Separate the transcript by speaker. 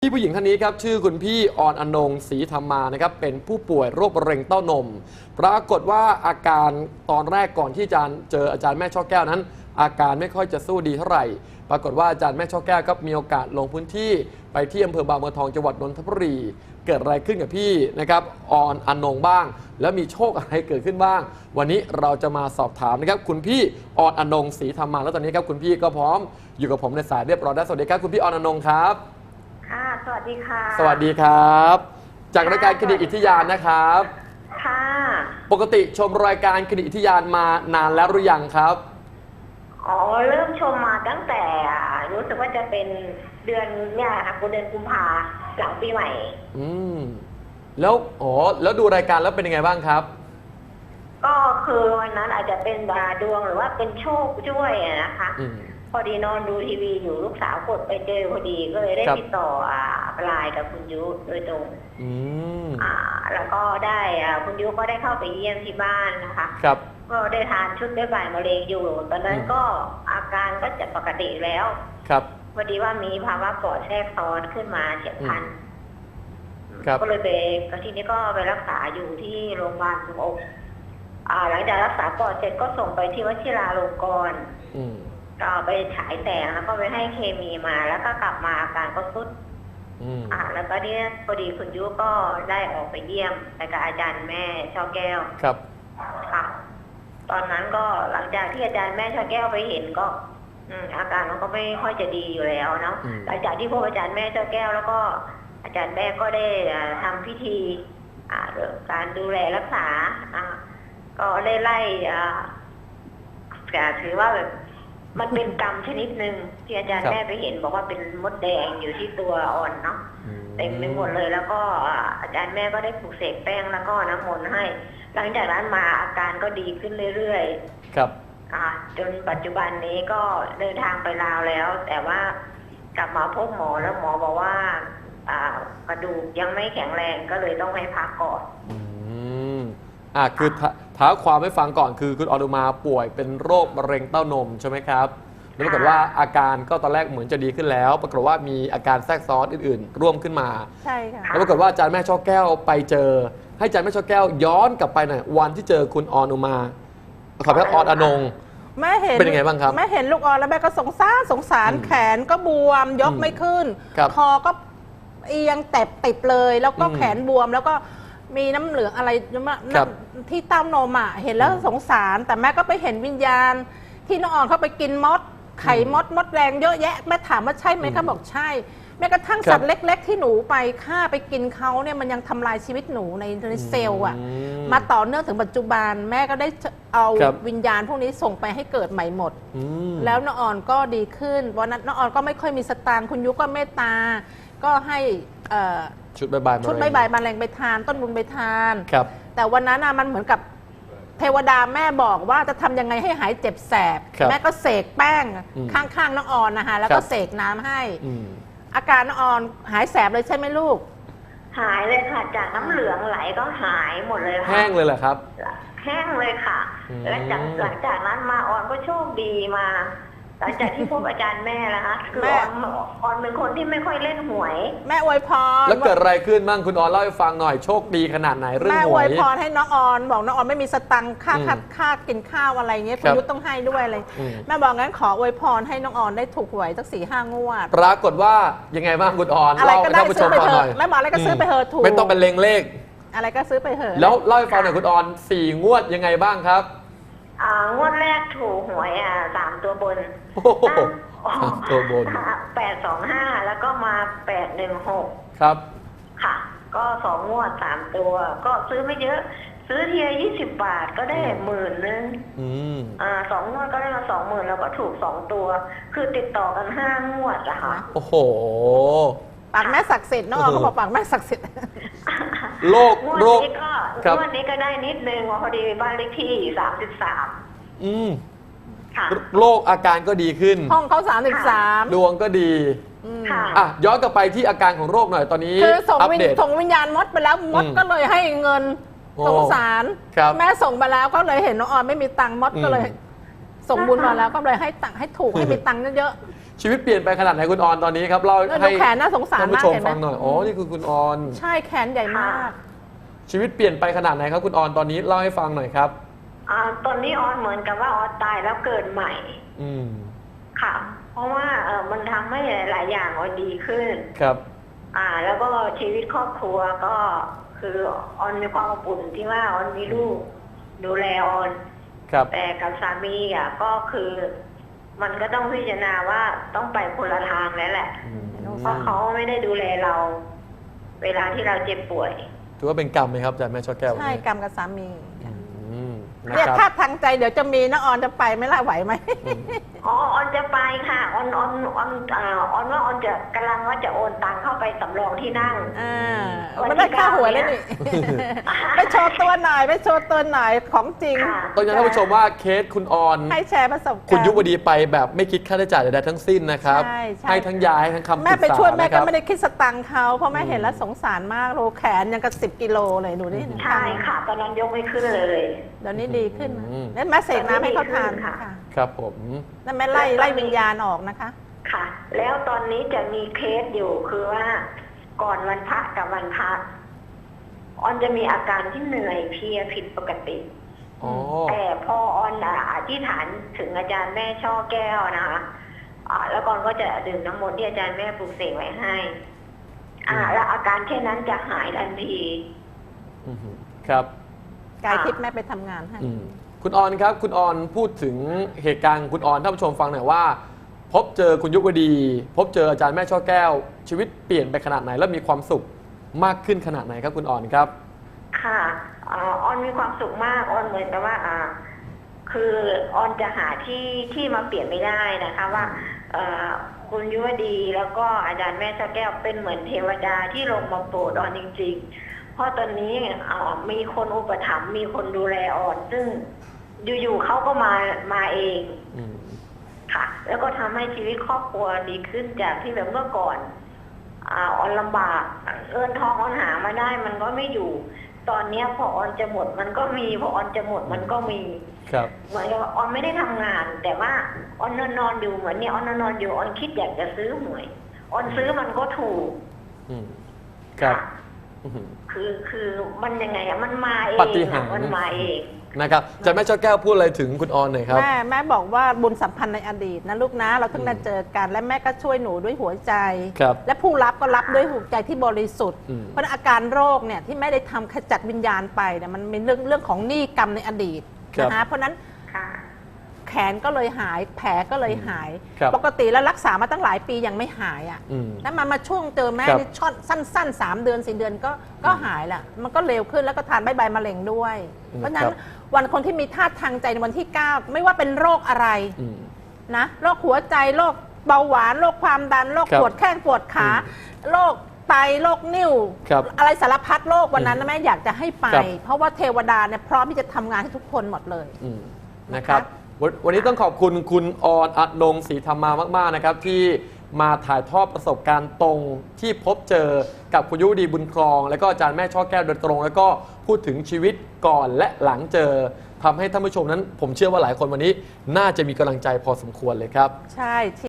Speaker 1: พี่ผู้หญิงท่านนี้ครับชื่อคุณพี่ออนอนงศรีธรรมานะครับเป็นผู้ป่วยโรคมะเร็งเต้านมปรากฏว่าอาการตอนแรกก่อนที่จะเจออาจารย์แม่ช่อแก้วนั้น อาการไม่ค่อยจะสู้ดีเท่าไหร่ปรากฏว่าอาจารย์แม่ช่อแก้วครับมีโอกาสลงพื้นที่ไปที่อำเภอบางบัวทองจังหวัดนนทบุรีเกิดอะไรขึ้นกับพี่นะครับออนอนงบ้างแล้วมีโชคอะไรเกิดขึ้นบ้าง วันนี้เราจะมาสอบถามนะครับคุณพี่ออนอนงศรีธรรมาแล้วตอนนี้ครับคุณพี่ก็พร้อมอยู่กับผมในสายเรียบร้อยแล้วสวัสดีครับคุณพี่ออนอนงครับ
Speaker 2: ค่ะสวัสดีค่ะ
Speaker 1: สวัสดีครับจากรายการคดีอิทยานนะครับ
Speaker 2: ค่ะ
Speaker 1: ปกติชมรายการคดีอิทยานมานานแล้วหรือยังครับ
Speaker 2: อ๋อเริ่มชมมาตั้งแต่รู้สึกว่าจะเป็นเดือนเนี่ยค่ะเดือนกุมภาหลังปีใหม่
Speaker 1: แล้วแล้วดูรายการแล้วเป็นยังไงบ้างครับ
Speaker 2: ก็คือวันนั้นอาจจะเป็นดวงหรือว่าเป็นโชคช่วยนะคะพอดีนอนดูทีวีอยู่ลูกสาวกดไปเจอพอดีก็เลยได้ติดต่อไลน์กับคุณยุโดยตรงแล้วก็ได้คุณยุก็ได้เข้าไปเยี่ยมที่บ้านนะคะ
Speaker 1: ครับ
Speaker 2: ก็ได้ทานชุดบ๊ายบายมะเร็งอยู่ตอนนั้นก็อาการก็จะปกติแล้ว
Speaker 1: ครับ
Speaker 2: พอดีว่ามีภาวะปอดแทรกซ้อนขึ้นมาเฉียบพลันก็เลยไปทีนี้ก็ไปรักษาอยู่ที่โรงพยาบาลสุขอกหลังจากรักษาปอดเสร็จก็ส่งไปที่วชิราลงกรณ์ก็ไปฉายแสงแล้วก็ไปให้เคมีมาแล้วก็กลับมาอาการก็ทรุดแล้วก็เนี่ยพอดีคุณยุก็ได้ออกไปเยี่ยมไปกับอาจารย์แม่ช่อแก้ว
Speaker 1: ครับ
Speaker 2: ค่ะตอนนั้นก็หลังจากที่อาจารย์แม่ช่อแก้วไปเห็นก็อาการมันก็ไม่ค่อยจะดีอยู่แล้วเนาะหลังจากที่พบอาจารย์แม่ช่อแก้วแล้วก็อาจารย์แม่ก็ได้ทำพิธีการดูแลรักษาก็ได้ไล่ถือว่าแบบมันเป็นกรรมชนิดหนึ่งที่อาจารย์แม่ไปเห็นบอกว่าเป็นมดแดงอยู่ที่ตัวอ่อนเนาะเต็มไปหมดเลยแล้วก็อาจารย์แม่ก็ได้ปลูกเสกแป้งแล้วก็น้ำมนต์ให้หลังจากนั้นมาอาการก็ดีขึ้นเรื่อย
Speaker 1: ๆครับ
Speaker 2: จนปัจจุบันนี้ก็เดินทางไปลาวแล้วแต่ว่ากลับมาพบหมอแล้วหมอบอกว่ากระดูกยังไม่แข็งแรงก็เลยต้องให้พักก่อน
Speaker 1: คือท้าความให้ฟังก่อนคือคุณอนุมาป่วยเป็นโรคมะเร็งเต้านมใช่ไหมครับแล้วปรากฏว่าอาการก็ตอนแรกเหมือนจะดีขึ้นแล้วปรากฏว่ามีอาการแทรกซ้อนอื่นๆร่วมขึ้นมา
Speaker 2: ใช่ค่ะ
Speaker 1: แล้วปรากฏว่าอาจารย์แม่ช่อแก้วไปเจอให้อาจารย์แม่ช่อแก้วย้อนกลับไปหน่อยวันที่เจอคุณอนุมาขอพระออนง
Speaker 3: แม่เห็น
Speaker 1: เป็นยังไงบ้างครับ
Speaker 3: แม่เห็นลูกออนแล้วแม่ก็สงสารแขนก็บวมยกไม่ขึ้นคอก็เอียงแตบติดเลยแล้วก็แขนบวมแล้วก็มีน้ำเหลืองอะไรที่เต้านมเห็นแล้วสงสารแต่แม่ก็ไปเห็นวิญญาณที่น้องอ่อนเขาไปกินมดไข่มดแรงเยอะแยะแม่ถามว่าใช่ไหมเขาบอกใช่แม้กระทั่งสัตว์เล็กๆที่หนูไปฆ่าไปกินเขาเนี่ยมันยังทำลายชีวิตหนูในเซลล์มาต่อเนื่องถึงปัจจุบันแม่ก็ได้เอาวิญญาณพวกนี้ส่งไปให้เกิดใหม่หมดแล้วน้องอ่อนก็ดีขึ้นวันนั้นน้องอ่อนก็ไม่ค่อยมีสตางค์คุณยุก็เมตตาก็ให้
Speaker 1: ชุดใบใบ
Speaker 3: มาแรงไปทานต้นบุญไปทานแต่วันนั้นมันเหมือนกับเทวดาแม่บอกว่าจะทำยังไงให้หายเจ็บแสบแม่ก็เสกแป้งข้างๆน้องอ่อนนะคะแล้วก็เสกน้ำให้อาการน้องอ่อนหายแสบเลยใช่ไหมลูก
Speaker 2: หายเลยค่ะจากน้ำเหลืองไหลก็หายหมดเลยค่ะ
Speaker 1: แห้งเลยเหรอครับ
Speaker 2: แห้งเลยค่ะและหลังจากนั้นมาอ่อนก็โชคดีมาหลังจากที่พบอาจารย์แม่แล้วคะคือออนเป็นคนที่ไม่ค่อยเล่นหวย
Speaker 3: แม่อวยพร
Speaker 1: แล้วเกิดอะไรขึ้นบ้างคุณออนเล่าให้ฟังหน่อยโชคดีขนาดไหนเรื่องหวยแม่
Speaker 3: อวยพรให้น้องออนบอกน้องออนไม่มีสตังค่ากินข้าวอะไรเงี้ยคุณยุทธต้องให้ด้วยเลยแม่บอกงั้นขออวยพรให้น้องออนได้ถูกหวยสัก4-5 งวด
Speaker 1: ปรากฏว่ายังไงบ้างคุณออน
Speaker 3: อะไรก็ได้ซื้อไปเถอะแม่บอกอะไรก็ซื้อไปเถอะถูก
Speaker 1: ไม่ต้องเป็นเลข
Speaker 3: อะไรก็ซื้อไปเถอะ
Speaker 1: แล้วเล่าให้ฟังหน่อยคุณออน4 งวดยังไงบ้างครับ
Speaker 2: งวดแรกถูกหวย3 ตัวบน
Speaker 1: ตัวบน
Speaker 2: 825แล้วก็มา816
Speaker 1: ครับ
Speaker 2: ค่ะก็2 งวด3 ตัวก็ซื้อไม่เยอะซื้อทีละ20 บาทก็ได้10,000 นึง2 งวดก็ได้มา20,000แล้วก็ถูก2 ตัวคือติดต่อกัน5 งวดอะค่ะ
Speaker 1: โอ้โห
Speaker 3: ปากแม่ศักดิ์สิทธิ์น้องเขาบอกปากแม่ศักดิ์สิทธิ์
Speaker 1: โรค
Speaker 2: งวดนี้ก็ได้นิดนึงพอดีบ้านเลขที่33
Speaker 1: โรคอาการก็ดีขึ้น
Speaker 3: ห้องเขา33
Speaker 1: ดวงก็ดีย้อนกลับไปที่อาการของโรคหน่อยตอนนี้
Speaker 3: คือส่งวิญญาณมดไปแล้วมดก็เลยให้เงินสงสารแม่ส่งไปแล้วก็เลยเห็นน้องออนไม่มีตังค์มดก็เลยส่งบุญมาแล้วก็เลยให้ตังค์ให้ถูกให้มีตังค์เยอะ
Speaker 1: ชีวิตเปลี่ยนไปขนาดไหนคุณออนตอนนี้ครับเล่า
Speaker 3: แล้วดู
Speaker 1: ให้
Speaker 3: แขนน่าสงสาร
Speaker 1: ท่าน
Speaker 3: มาก
Speaker 1: ผู้ชม
Speaker 3: เห็นไหม
Speaker 1: ฟังหน่อยอ๋อนี่คือคุณออน
Speaker 3: ใช่แขนใหญ่มาก
Speaker 1: ชีวิตเปลี่ยนไปขนาดไหนครับคุณออนตอนนี้เล่าให้ฟังหน่อยครับ
Speaker 2: ตอนนี้ออนเหมือนกับว่าออนตายแล้วเกิดใหม่
Speaker 1: อืม
Speaker 2: ค่ะ เพราะว่ามันทำให้หลายอย่างออนดีขึ้น
Speaker 1: ครับ
Speaker 2: แล้วก็ชีวิตครอบครัวก็คือออนมีความอบอุ่นที่ว่าออนมีลูกดูแลออน
Speaker 1: ครับ
Speaker 2: แต่กับสามีก็คือ มันก็ต้องพิจารณาว่าต้องไปคนละทางแล้วแหละ
Speaker 1: อืม
Speaker 2: เพราะเขาไม่ได้ดูแลเรา เวลาที่เราเจ็บป่วย
Speaker 1: ถือว่าเป็นกรรมไหมครับอาจารย์แม่ช่อแก้ว
Speaker 3: ใช่กรรมกับสามี
Speaker 1: อืมนะ
Speaker 3: เนี่ย
Speaker 1: ครับ
Speaker 3: ถ้าทางใจเดี๋ยวจะมีนะออนจะไปไหม่ล่ะไหวไหม
Speaker 2: ออนจะไปค่ะออนว่าออนจะกำลังว่าจะโอนตังเข้าไปสำรองที่นั่ง
Speaker 3: มันได้ค่าหัวยแล้วนี่ ไปโชว์ตัวหน่อยไปโชว์ตัวหน่อยของจริง
Speaker 2: ค่ะ
Speaker 1: ต้องย้ำท่านผู้ชมว่าเคสคุณออน
Speaker 3: ให้แชร์ประสบการณ์
Speaker 1: คุณยุวดีไปแบบไม่คิดค่าใช้จ่ายใดๆทั้งสิ้นนะครับ
Speaker 3: ใช่ใช่
Speaker 1: ให้ทั้งยาให้ทั้งคำปรึกษา
Speaker 3: แม่ไปช่วยแม่
Speaker 1: นะค
Speaker 3: ก็
Speaker 1: รับ
Speaker 3: ไม่ได้คิดสตังค์เขาเพราะแม่เห็นแล้วสงสารมากโลแขนยังกับ10 กิโลเลยดูนี่
Speaker 2: ใช่ค่ะ ตอนนั้นยกไม่ขึ้นเลย
Speaker 3: เดี๋ยวนี้ดีขึ้นนะ
Speaker 1: อืม
Speaker 3: แล้วแม่เสกน้ำให้เขาทาน
Speaker 2: ค่ะ
Speaker 3: ค่ะ
Speaker 1: ครับผม
Speaker 3: แล้วแม่ไล่วิญญาณออกนะคะ
Speaker 2: ค่ะ แล้วตอนนี้จะมีเคสอยู่คือว่าก่อนวันพระกับวันพระออนจะมีอาการที่เหนื่อยเพลียผิดปกติ
Speaker 1: อ๋อ
Speaker 2: แต่พอออนอธิษฐานถึงอาจารย์แม่ช่อแก้วนะคะแล้วก่อนก็จะดื่มน้ำมนต์ที่อาจารย์แม่ปลูกเสกไว้ให้แล้วอาการแค่นั้นจะหายทันที
Speaker 1: อือหือครับ
Speaker 3: กายทิพย์แม่ไปทำงานให้
Speaker 1: อืมคุณออนครับ คุณออนพูดถึงเหตุการณ์ของคุณออนท่านผู้ชมฟังหน่อยว่า พบเจอคุณยุวดี พบเจออาจารย์แม่ช่อแก้ว ชีวิตเปลี่ยนไปขนาดไหน และมีความสุขมากขึ้นขนาดไหนครับคุณออนครับ
Speaker 2: ค่ะออนมีความสุขมากออนเหมือนกับว่าคือออนจะหาที่มาเปลี่ยนไม่ได้นะคะว่าคุณยุวดีแล้วก็อาจารย์แม่ช่อแก้วเป็นเหมือนเทวดาที่ลงมาโปรดออนจริงๆ เพราะตอนนี้มีคนอุปถัมภ์มีคนดูแลออนซึ่งอยู่ๆเขาก็มาเอง
Speaker 1: อืม
Speaker 2: ค่ะ แล้วก็ทำให้ชีวิตครอบครัวดีขึ้นจากที่แบบเมื่อก่อนออนลำบากเงินทองออนหามาได้มันก็ไม่อยู่ ตอนนี้พอออนจะหมดมันก็มีพอออนจะหมดมันก็มี
Speaker 1: ครับ
Speaker 2: เหมือนกับว่าออนไม่ได้ทำงาน แต่ว่าออนนอนอยู่เหมือนเนี่ยออนนอนอยู่ออนคิดอยากจะซื้อหวยออนซื้อมันก็ถูก
Speaker 1: อืมครับ
Speaker 2: ค่ะ
Speaker 1: อื้อหือ
Speaker 2: คือมันยังไงมันมาเอง
Speaker 1: ปาฏิหาริย์
Speaker 2: มันมาเอง
Speaker 1: นะครับอาจารย์แม่ช่อแก้วพูดอะไรถึงคุณออนหน่อยครับ
Speaker 3: แม่บอกว่าบุญสัมพันธ์ในอดีตนะลูกนะเราเพิ่งได้เจอกัน และแม่ก็ช่วยหนูด้วยหัวใจ
Speaker 1: ครับ
Speaker 3: และผู้รับก็รับด้วยหัวใจที่บริสุทธิ์
Speaker 1: อืม
Speaker 3: เพราะฉะนั้นอาการโรคเนี่ยที่แม่ได้ทำขจัดวิญญาณไปเนี่ยมันเป็นเรื่องของหนี้กรรมในอดีตนะคะเพราะฉะนั้น
Speaker 2: ค่ะ
Speaker 3: แขนก็เลยหายแผลก็เลยหาย
Speaker 1: ครับ
Speaker 3: ปกติแล้วรักษามาตั้งหลายปียังไม่หายอ่ะ
Speaker 1: อืม
Speaker 3: แล้วมาช่วงเจอแม่
Speaker 1: ครับ
Speaker 3: นี่ช็อตสั้นๆ 3 เดือน 4 เดือนก็หายแหละมันก็เร็วขึ้นแล้วก็ทานใบมะเร็งด้วย เพราะฉะนั้นวันคนที่มีธาตุทางใจในวันที่ 9 ไม่ว่าเป็นโรคอะไร
Speaker 1: อืม
Speaker 3: นะโรคหัวใจโรคเบาหวานโรคความดันโรค
Speaker 1: ครับ
Speaker 3: ปวดแข้งปวดขา
Speaker 1: อืม
Speaker 3: โรคไตโรคนิ่ว
Speaker 1: ครับ
Speaker 3: อะไรสารพัดโรควันนั้นนะแม่อยากจะให้ไป
Speaker 1: ครับ
Speaker 3: เพราะว่าเทวดาเนี่ยพร้อมที่จะทำงานให้ทุกคนหมดเลย
Speaker 1: อืมนะครับวันนี้ต้องขอบคุณคุณออนอนงศรีธรรมามากๆนะครับที่มาถ่ายทอดประสบการณ์ตรงที่พบเจอกับคุณยุวดีบุญครอง แล้วก็อาจารย์แม่ช่อแก้วโดยตรง แล้วก็พูดถึงชีวิตก่อนและหลังเจอทำให้ท่านผู้ชมนั้นผมเชื่อว่าหลายคนวันนี้น่าจะมีกำลังใจพอสมควรเลยครับ
Speaker 3: ใช่